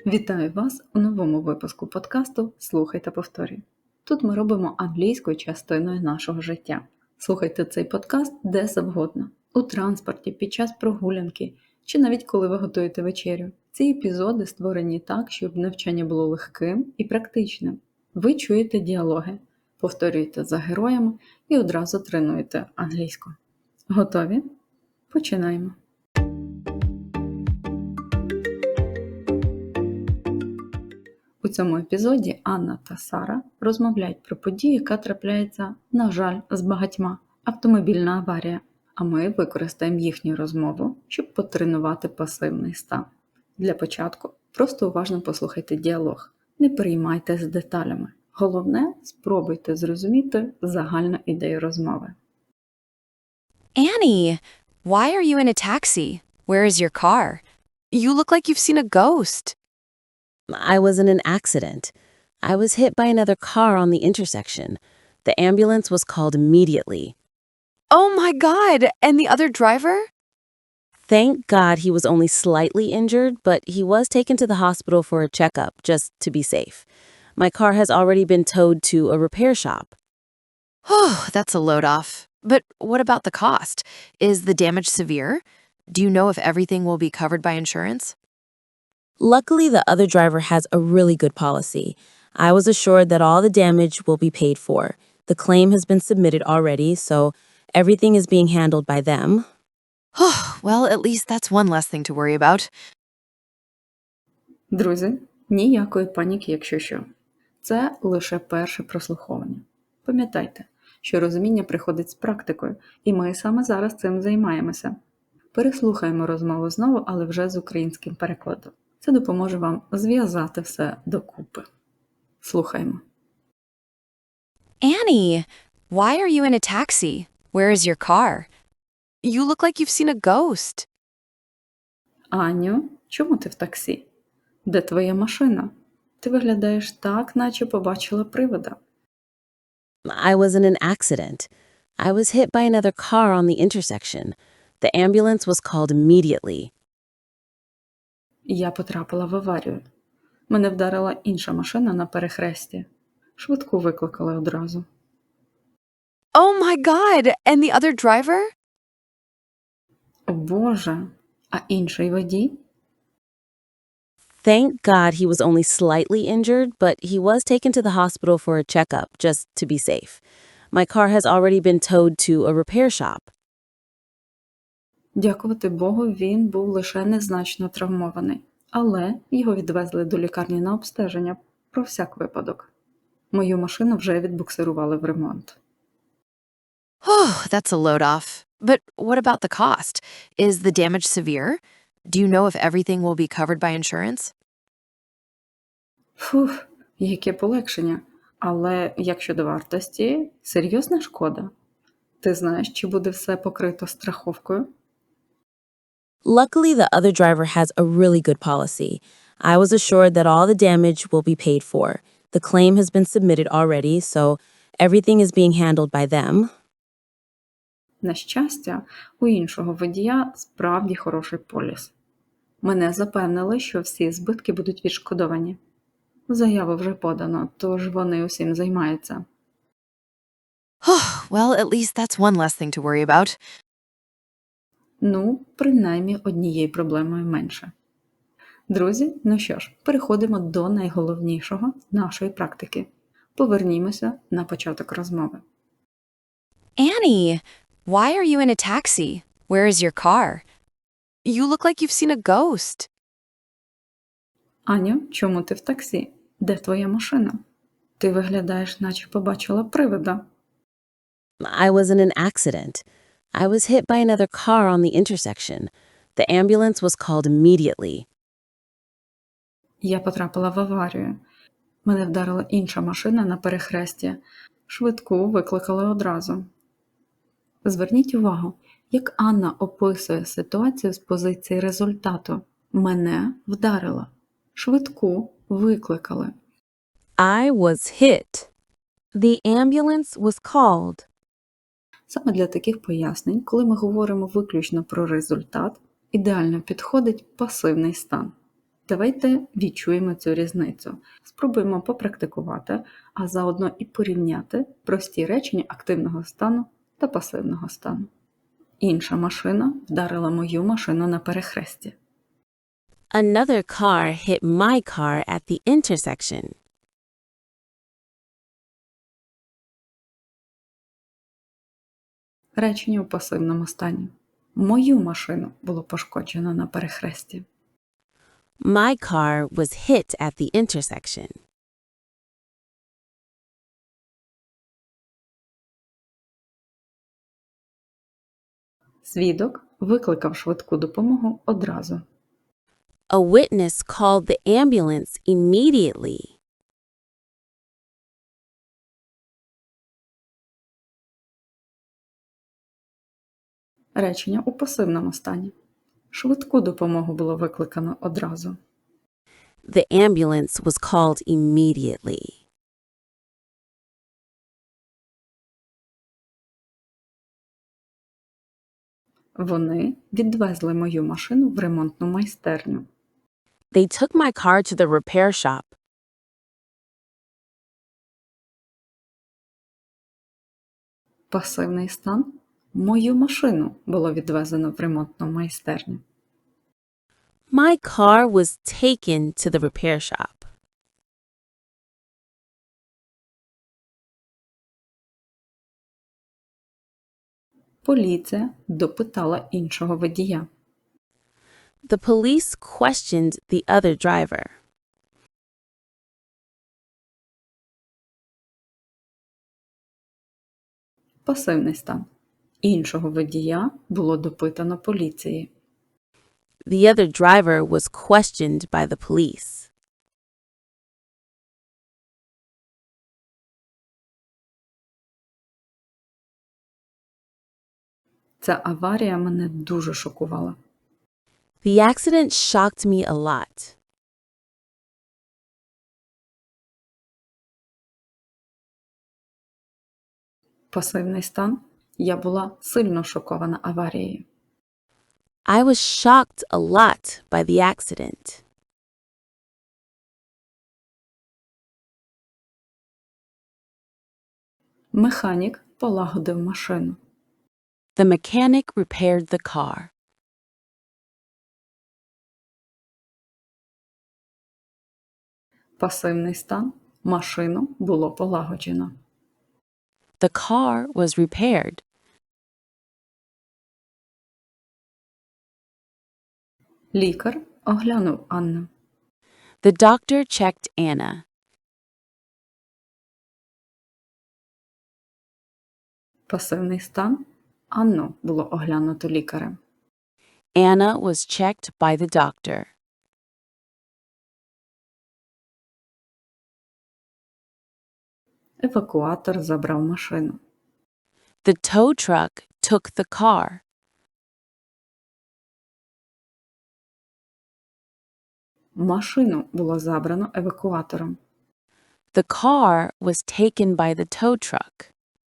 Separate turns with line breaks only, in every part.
Вітаю вас у новому випуску подкасту «Слухай та повторюй». Тут ми робимо англійською частиною нашого життя. Слухайте цей подкаст де завгодно – у транспорті, під час прогулянки чи навіть коли ви готуєте вечерю. Ці епізоди створені так, щоб навчання було легким і практичним. Ви чуєте діалоги, повторюєте за героями і одразу тренуєте англійську. Готові? Починаємо! У цьому епізоді Анна та Сара розмовляють про подію, яка трапляється, на жаль, з багатьма – автомобільна аварія. А ми використаємо їхню розмову, щоб потренувати пасивний стан. Для початку просто уважно послухайте діалог, не переймайтеся деталями. Головне – спробуйте зрозуміти загальну ідею розмови.
Annie, why are you in a taxi? Where is your car? You look like you've seen a ghost.
I was in an accident. I was hit by another car on the intersection. The ambulance was called immediately.
Oh my God! And the other driver?
Thank God he was only slightly injured, but he was taken to the hospital for a checkup, just to be safe. My car has already been towed to a repair shop.
Oh, that's a load off. But what about the cost? Is the damage severe? Do you know if everything will be covered by insurance?
Luckily, the other driver has a really good policy. I was assured that all the damage will be paid for. The claim has been submitted already, so everything is being handled by them.
Oh, well, at least that's one less thing to worry about.
Друзі, ніякої паніки, якщо що. Це лише перше прослуховування. Пам'ятайте, що розуміння приходить з практикою, і ми саме зараз цим займаємося. Переслухаємо розмову знову, але вже з українським перекладом. Це допоможе вам зв'язати все докупи. Слухаємо.
Annie, why are you in a taxi? Where is your car? You look like you've seen a ghost.
Аню, чому ти в таксі? Де твоя машина? Ти виглядаєш так, наче побачила привида.
I was in an accident. I was hit by another car on the intersection. The ambulance was called immediately.
Я потрапила в аварію. Мене вдарила інша машина на перехресті. Швидку викликали одразу.
Oh my God! And the other driver?
О Боже! А інший водій?
Thank God he was only slightly injured, but he was taken to the hospital for a checkup, just to be safe. My car has already been towed to a repair shop.
Дякувати Богу, він був лише незначно травмований. Але його відвезли до лікарні на обстеження про всяк випадок. Мою машину вже відбуксирували в ремонт.
Oh, that's a load off. But what about the cost? Is the damage severe? Do you know if everything will be covered by insurance?
Фух, яке полегшення. Але як щодо вартості, серйозна шкода? Ти знаєш, чи буде все покрито страховкою?
Luckily, the other driver has a really good policy. I was assured that all the damage will be paid for. The claim has been submitted already, so everything is being handled by them.
На щастя, у іншого водія справді хороший поліс. Мене запевнили, що всі збитки будуть відшкодовані. Заяву вже подано, тож вони усім займаються.
Oh, well, at least that's one less thing to worry about.
Ну, принаймні однією проблемою менше. Друзі, ну що ж, переходимо до найголовнішого нашої практики. Повернімося на початок розмови.
Annie, why are you in a taxi? Where is your car? You look like you've seen a ghost.
Аню, чому ти в таксі? Де твоя машина? Ти виглядаєш, наче побачила привида.
I was in an accident. I was hit by another car on the intersection. The ambulance was called immediately.
Я потрапила в аварію. Мене вдарила інша машина на перехресті. Швидку викликали одразу. Зверніть увагу, як Анна описує ситуацію з позиції результату. Мене вдарила. Швидку викликали.
I was hit. The ambulance was called.
Саме для таких пояснень, коли ми говоримо виключно про результат, ідеально підходить пасивний стан. Давайте відчуємо цю різницю. Спробуємо попрактикувати, а заодно і порівняти прості речення активного стану та пасивного стану. Інша машина вдарила мою машину на перехресті.
Another car hit my car at the intersection.
Речення у пасивному стані. Мою машину було пошкоджено на перехресті.
My car was hit at the intersection.
Свідок викликав швидку допомогу одразу.
A witness called the ambulance immediately.
Речення у пасивному стані. Швидку допомогу було викликано одразу.
The ambulance was called immediately.
Вони відвезли мою машину в ремонтну майстерню.
They took my car to the repair shop.
Пасивний стан. Мою машину було відвезено в ремонтну майстерню.
My car was taken to the repair shop.
Поліція допитала іншого водія.
The police questioned the other driver.
Пасивний стан. Іншого водія було допитано поліцією.
The other driver was questioned by the police.
Ця аварія мене дуже шокувала.
The accident shocked me a lot.
Пасивний стан. Я була сильно шокована аварією.
I was shocked a lot by the accident.
Механік полагодив машину.
The mechanic repaired the car.
Пасивний стан. Машину було полагоджено.
The car was repaired.
Лікар оглянув Анну.
The doctor checked Anna.
Пасивний стан. Анну було оглянуто лікарем.
Anna was checked by the doctor.
Евакуатор забрав машину.
The tow truck took the car.
Машину було забрано евакуатором.
The car was taken by the tow truck.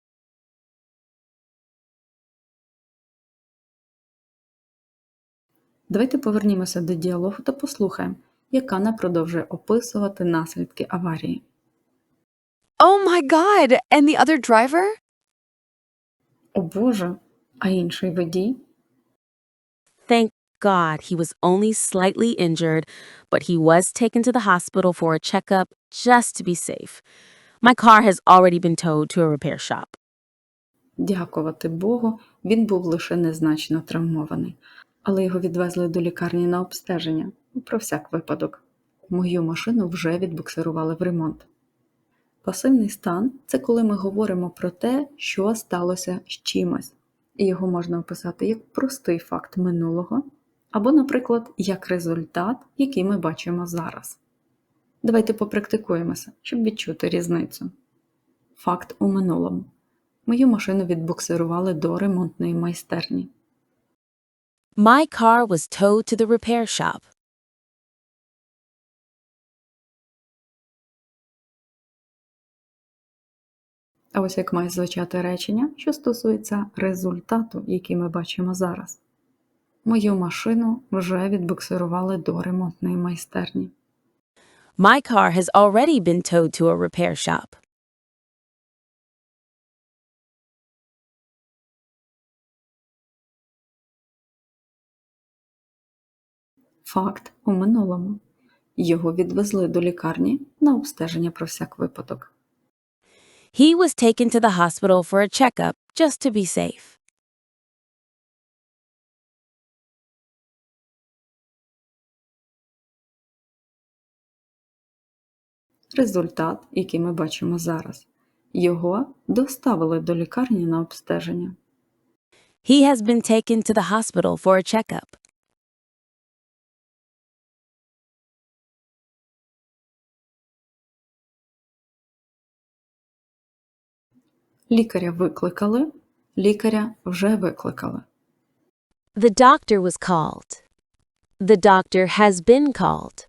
Давайте повернімося до діалогу та послухаємо, як Анна продовжує описувати наслідки аварії.
Oh my god! And the other driver?
О Боже, а інший водій?
Thank God he was only slightly injured, but he was taken to the hospital for a checkup just to be safe. My car has already been towed to a repair shop.
Дякувати Богу, він був лише незначно травмований, але його відвезли до лікарні на обстеження, про всяк випадок. Мою машину вже відбуксирували в ремонт. Пасивний стан – це коли ми говоримо про те, що сталося з чимось. І його можна описати як простий факт минулого, або, наприклад, як результат, який ми бачимо зараз. Давайте попрактикуємося, щоб відчути різницю. Факт у минулому. Мою машину відбуксирували до ремонтної майстерні.
My car was towed to the repair shop.
А ось як має звучати речення, що стосується результату, який ми бачимо зараз. Мою машину вже відбуксирували до ремонтної майстерні.
My car has already been towed to a repair shop.
Факт у минулому. Його відвезли до лікарні на обстеження про всяк випадок.
He was taken to the hospital for a checkup just to be safe.
Результат, який ми бачимо зараз. Його доставили до лікарні на обстеження.
He has been taken to the hospital for a checkup.
Лікаря викликали, лікаря вже викликали.
The doctor was called. The doctor has been called.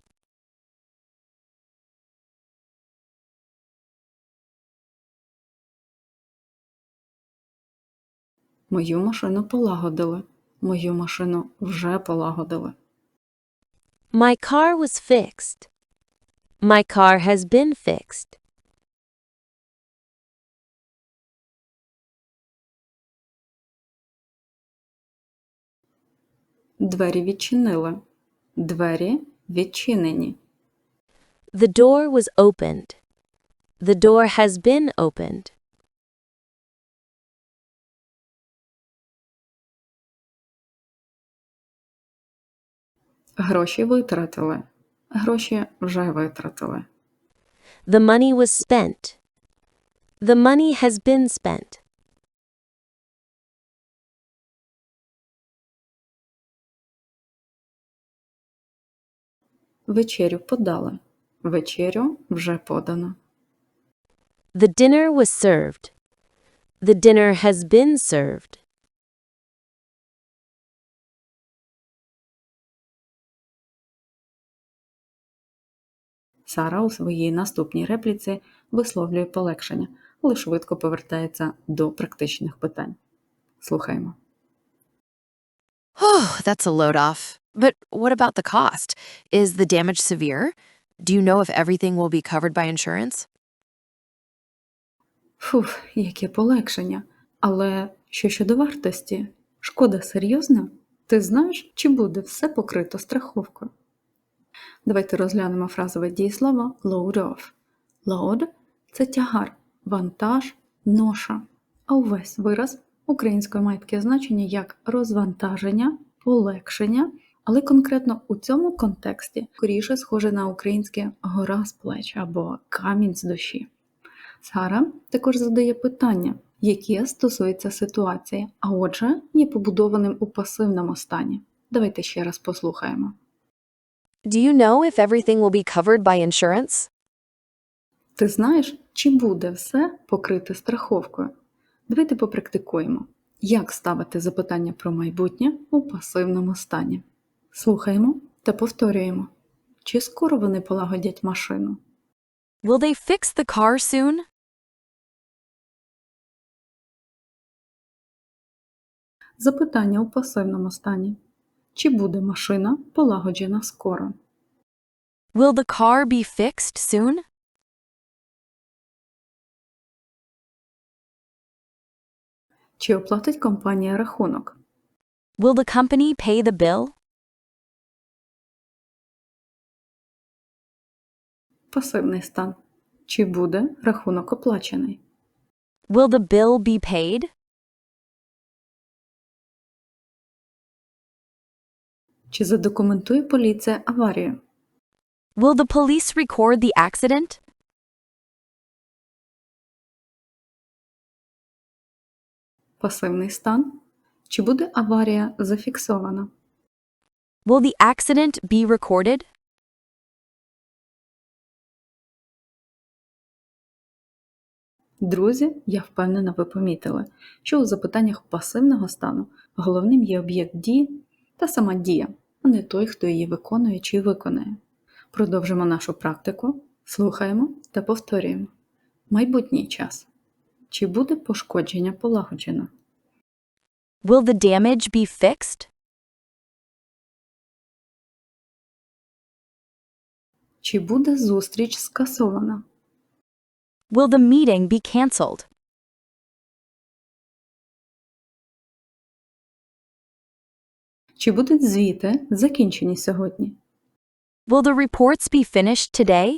Мою машину полагодили. Мою машину вже полагодили.
My car was fixed. My car has been fixed.
Двері відчинили. Двері відчинені.
The door was opened. The door has been opened.
Гроші витратили. Гроші вже витратили.
The money was spent. The money has been spent.
Вечерю подали. Вечерю вже подано.
The dinner was served. The dinner has been served.
Сара у своїй наступній репліці висловлює полегшення, але швидко повертається до практичних питань. Слухаємо.
Oh, that's a load off. But what about the cost? Is the damage severe? Do you know if everything will be covered by insurance?
Фух, яке полегшення. Але що щодо вартості? Шкода серйозна? Ти знаєш, чи буде все покрито страховкою? Давайте розглянемо фразове дієслово load off. Load – це тягар, вантаж, ноша. А увесь вираз українською має таке значення як розвантаження, полегшення, але конкретно у цьому контексті скоріше схоже на українське гора з плеч або камінь з душі. Сара також задає питання, яке стосується ситуації, а отже є побудованим у пасивному стані. Давайте ще раз послухаємо.
Do you know if everything will be covered by insurance?
Ти знаєш, чи буде все покрите страховкою? Давайте попрактикуємо, як ставити запитання про майбутнє у пасивному стані. Слухаємо та повторюємо. Чи скоро вони полагодять машину?
Will they fix the car soon?
Запитання у пасивному стані. Чи буде машина полагоджена скоро?
Will the car be fixed soon?
Чи оплатить компанія рахунок?
Will the company pay the bill?
Пасивний стан. Чи буде рахунок оплачений?
Will the bill be paid?
Чи задокументує поліція аварію?
Will the police record the accident?
Пасивний стан. Чи буде аварія зафіксована?
Will the accident be recorded?
Друзі, я впевнена, ви помітили, що у запитаннях пасивного стану головним є об'єкт дії та сама дія, а не той, хто її виконує чи виконає. Продовжимо нашу практику, слухаємо та повторюємо. Майбутній час. Чи буде пошкодження полагоджено?
Will the damage be fixed?
Чи буде зустріч скасована?
Will the meeting be canceled?
Чи будуть звіти закінчені сьогодні?
Will the reports be finished today?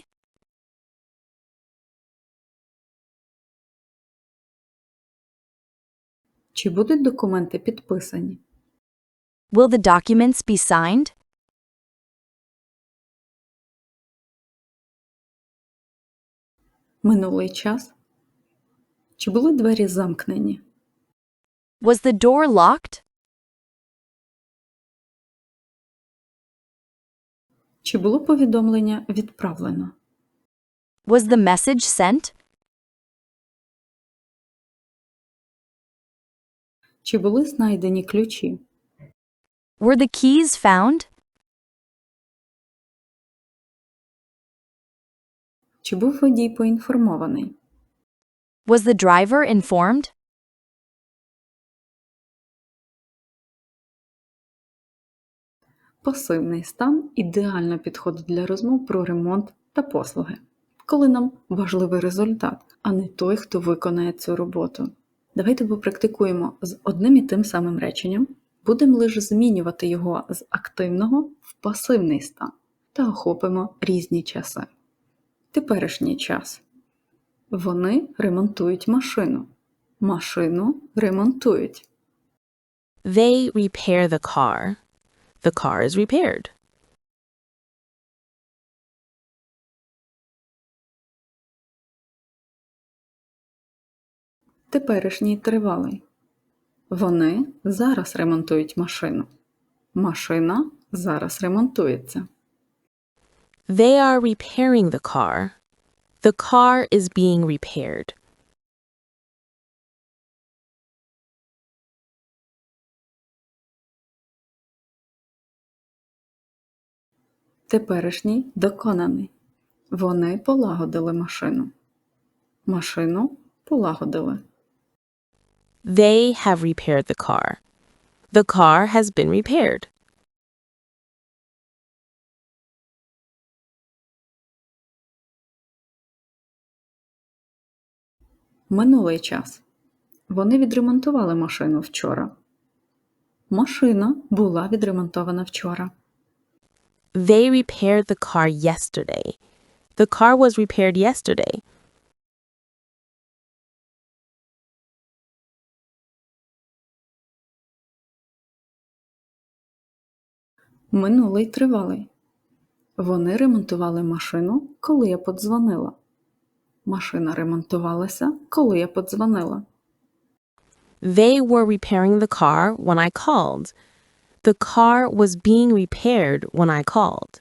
Чи будуть документи підписані?
Will the documents be signed?
Минулий час? Чи були двері замкнені?
Was the door locked?
Чи було повідомлення відправлено?
Was the message sent?
Чи були знайдені ключі?
Were the keys found?
Чи був водій поінформований?
Was the driver informed?
Пасивний стан ідеально підходить для розмов про ремонт та послуги, коли нам важливий результат, а не той, хто виконає цю роботу. Давайте попрактикуємо з одним і тим самим реченням, будемо лише змінювати його з активного в пасивний стан та охопимо різні часи. Теперішній час. Вони ремонтують машину. Машину ремонтують.
They repair the car. The car is repaired.
Теперішній тривалий. Вони зараз ремонтують машину. Машина зараз ремонтується.
They are repairing the car. The car is being repaired.
Теперішній доконаний. Вони полагодили машину. Машину полагодили.
They have repaired the car. The car has been repaired.
Минулий час. Вони відремонтували машину вчора. Машина була відремонтована вчора.
They repaired the car yesterday. The car was repaired yesterday.
Минулий тривалий. Вони ремонтували машину, коли я подзвонила. Машина ремонтувалася, коли я подзвонила.
They were repairing the car when I called. The car was being repaired when I called.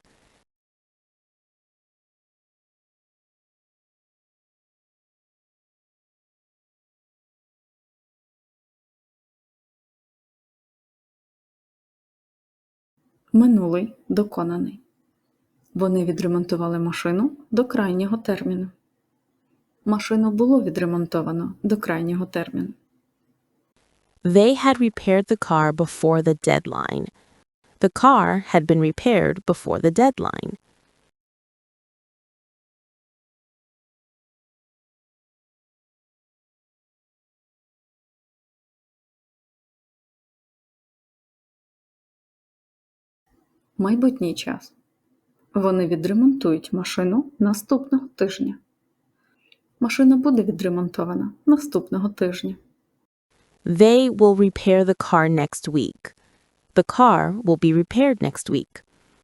Минулий доконаний. Вони відремонтували машину до крайнього терміну. Машину було відремонтовано до крайнього терміну.
They had repaired the car before the deadline. The car had been repaired before the deadline.
Майбутній час. Вони відремонтують машину наступного тижня. Машина буде відремонтована наступного тижня.
They will repair the car next week. The car will be repaired next week.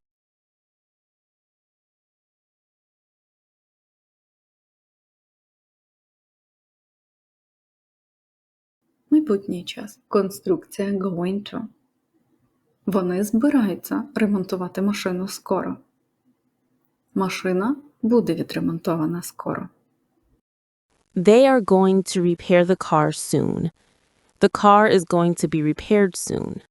Майбутній час. Конструкція going to. Вони збираються ремонтувати машину скоро. Машина буде відремонтована скоро.
They are going to repair the car soon. The car is going to be repaired soon.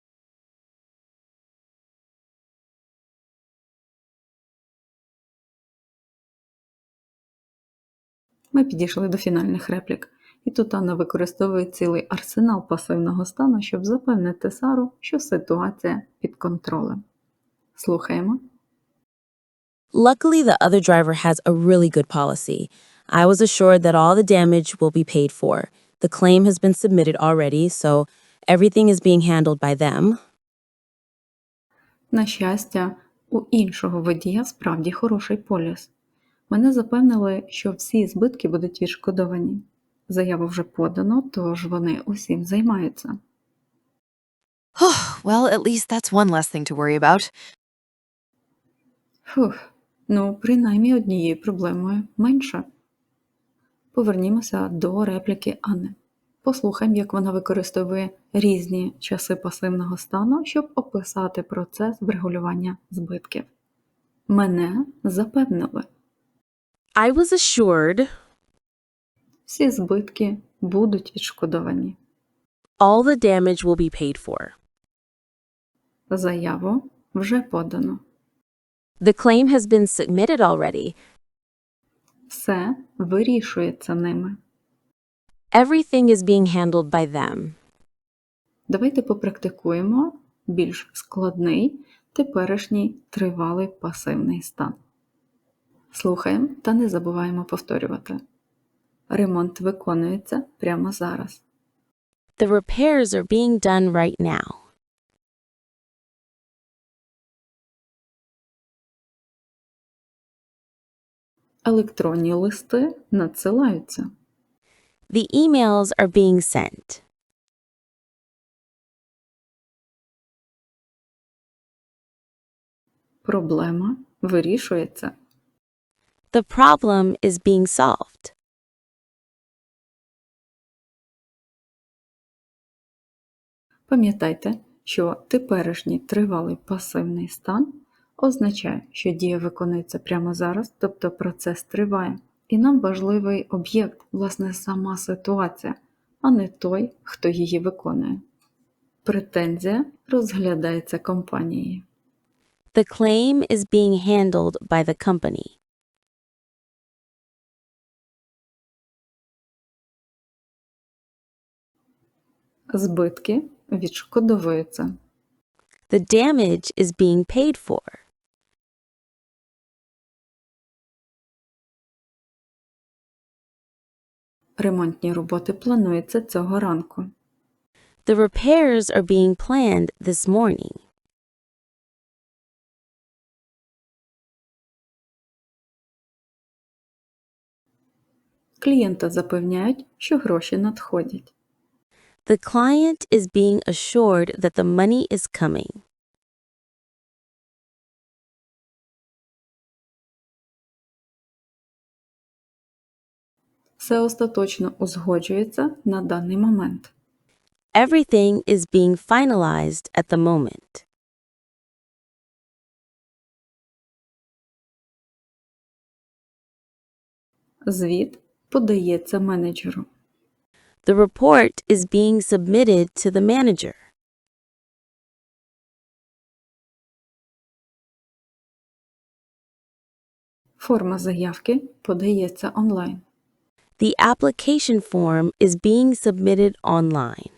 Ми підійшли до фінальних реплік. І тут Анна використовує цілий арсенал пасивного стану, щоб запевнити Сару, що ситуація під контролем. Слухаємо.
Luckily, the other driver has a really good policy. I was assured that all the damage will be paid for. The claim has been submitted already, so everything is being handled by them.
На щастя, у іншого водія справді хороший поліс. Мене запевнили, що всі збитки будуть відшкодовані. Заяву вже подано, тож вони усім займаються.
Well, at least that's one less thing to worry about.
Фух, ну, принаймні однією проблемою менше. Повернімося до репліки Анни. Послухаємо, як вона використовує різні часи пасивного стану, щоб описати процес врегулювання збитків. Мене запевнили.
I was assured
Всі збитки будуть відшкодовані.
all the damage will be paid for.
Заяву вже подано.
The claim has been submitted already.
Все вирішується ними.
Everything is being handled by them.
Давайте попрактикуємо більш складний теперішній тривалий пасивний стан. Слухаємо та не забуваємо повторювати. Ремонт виконується прямо зараз.
The repairs are being done right now.
Електронні листи надсилаються.
The emails are being sent.
Проблема вирішується.
The problem is being solved.
Пам'ятайте, що теперішній тривалий пасивний стан означає, що дія виконується прямо зараз, тобто процес триває. І нам важливий об'єкт, власне, сама ситуація, а не той, хто її виконує. Претензія розглядається компанією.
The claim is being handled by the company.
Збитки відшкодовуються.
The damage is being paid for.
Ремонтні роботи плануються цього ранку.
The repairs are being planned this morning.
Клієнта запевняють, що гроші надходять.
The client is being assured that the money is coming.
Все остаточно узгоджується на даний момент.
Everything is being finalized at the moment.
Звіт подається менеджеру.
The report is being submitted to the manager.
Форма заявки подається онлайн.
The application form is being submitted online.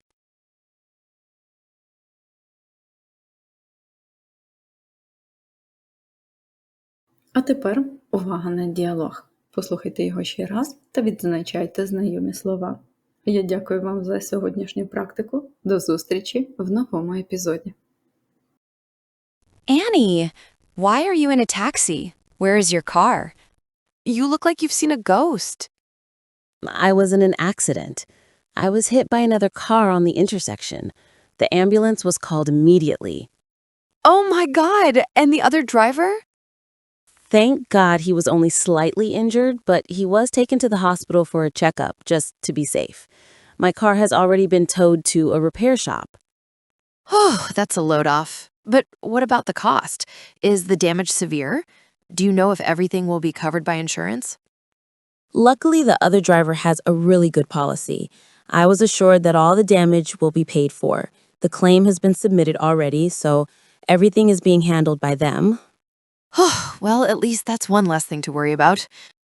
А тепер увага на діалог. Послухайте його ще раз та відзначайте знайомі слова. Я дякую вам за сьогоднішню практику. До зустрічі в новому епізоді.
Annie, why are you in a taxi? Where is your car? You look like you've seen a ghost.
I was in an accident. I was hit by another car on the intersection. The ambulance was called immediately.
Oh my God, and the other driver?
Thank God he was only slightly injured, but he was taken to the hospital for a checkup just to be safe. My car has already been towed to a repair shop.
Oh, that's a load off. But what about the cost? Is the damage severe? Do you know if everything will be covered by insurance?
Luckily, the other driver has a really good policy. I was assured that all the damage will be paid for. The claim has been submitted already, so everything is being handled by them.
Well, at least that's one less thing to worry about.